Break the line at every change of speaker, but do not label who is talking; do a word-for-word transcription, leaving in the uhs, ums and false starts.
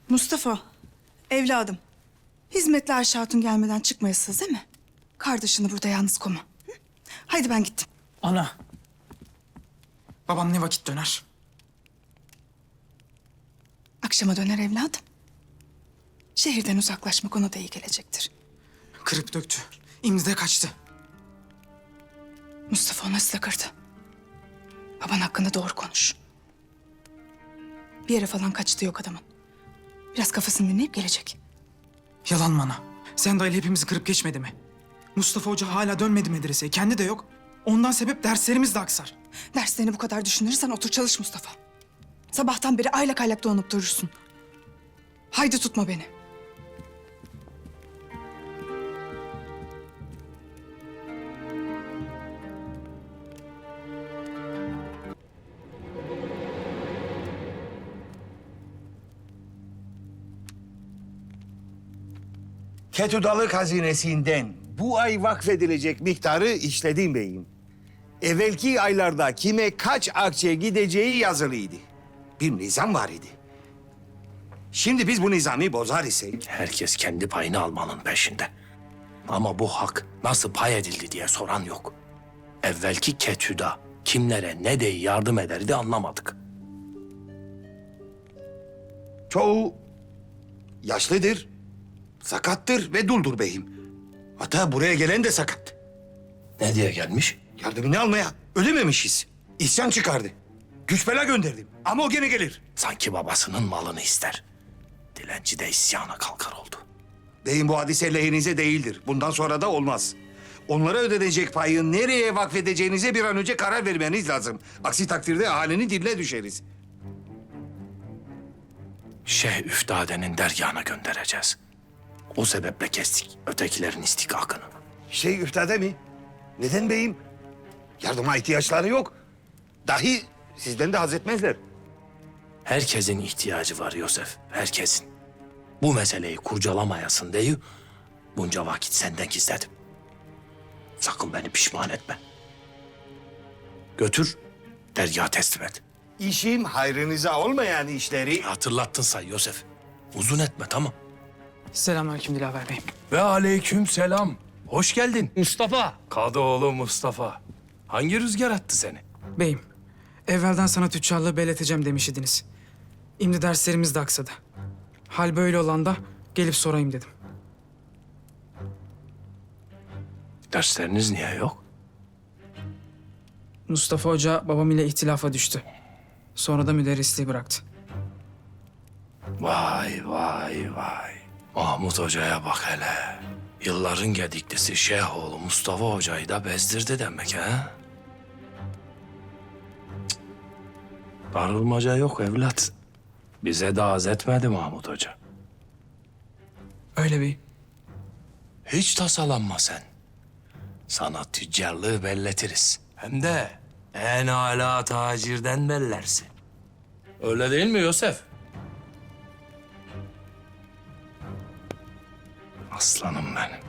Mustafa, evladım. Hizmetli Ayşe Hatun gelmeden çıkmayasınız değil mi? Kardeşini burada yalnız koma. Hı? Haydi ben gittim.
Ana. Babam ne vakit döner?
Akşama döner evladım. Şehirden uzaklaşmak ona da iyi gelecektir.
Kırıp döktü. İmdi de kaçtı.
Mustafa ona size kırdı. Baban hakkında doğru konuş. Bir yere falan kaçtı yok adamın. Biraz kafasını dinleyip gelecek.
Yalan mı ana? Sen dayıyla hepimizi kırıp geçmedi mi? Mustafa Hoca hala dönmedi medreseye. Kendi de yok. Ondan sebep derslerimiz de aksar.
Derslerini bu kadar düşünürsen otur çalış Mustafa. Sabahtan beri aylak aylak dolanıp durursun. Haydi tutma beni.
Ketüdalık hazinesinden bu ay vakfedilecek miktarı işledim beyim. Evvelki aylarda kime kaç akçe gideceği yazılıydı. Bir nizam var idi. Şimdi biz bu nizamı bozar isek...
Herkes kendi payını almanın peşinde. Ama bu hak nasıl pay edildi diye soran yok. Evvelki ketüda kimlere ne de yardım ederdi anlamadık.
Çoğu yaşlıdır, sakattır ve duldur beyim. Hatta buraya gelen de sakat.
Ne diye gelmiş?
Yardımını almaya ölememişiz. İsyan çıkardı. Güç bela gönderdim ama o gene gelir.
Sanki babasının malını ister. Dilenci de isyana kalkar oldu.
Beyim bu hadise lehinize değildir. Bundan sonra da olmaz. Onlara ödenecek payı nereye vakfedeceğinize bir an önce karar vermeniz lazım. Aksi takdirde ahalinin diline düşeriz.
Şeyh Üftade'nin dergahına göndereceğiz. O sebeple kestik ötekilerin istikakını.
Şey üftade mi? Neden beyim? Yardıma ihtiyaçları yok. Dahi sizden de haz etmezler.
Herkesin ihtiyacı var Yosef, herkesin. Bu meseleyi kurcalamayasın diye bunca vakit senden gizledim. Sakın beni pişman etme. Götür, dergaha teslim et.
İşim hayrınıza olmayan işleri...
Hatırlattın say Yosef. Uzun etme, tamam.
Selamünaleyküm Dilaver Bey'im.
Ve aleyküm selam. Hoş geldin Mustafa. Kadıoğlu Mustafa. Hangi rüzgar attı seni?
Beyim, evvelden sana tüccarlığı belleteceğim demiş idiniz. İmdi derslerimiz de aksadı. Hal böyle olan da gelip sorayım dedim.
Dersleriniz niye yok?
Mustafa Hoca babam ile ihtilafa düştü. Sonra da müderrisliği bıraktı.
Vay vay vay. Mahmut Hoca'ya bak hele. Yılların gediklisi Şeyhoğlu Mustafa Hoca'yı da bezdirdi demek ha? Cık. Darılmaca yok evlat. Bize de az etmedi Mahmut Hoca.
Öyle beyim.
Hiç tasalanma sen. Sana tüccarlığı belletiriz. Hem de en âlâ tacirden bellersin. Öyle değil mi Yosef? Aslanım benim.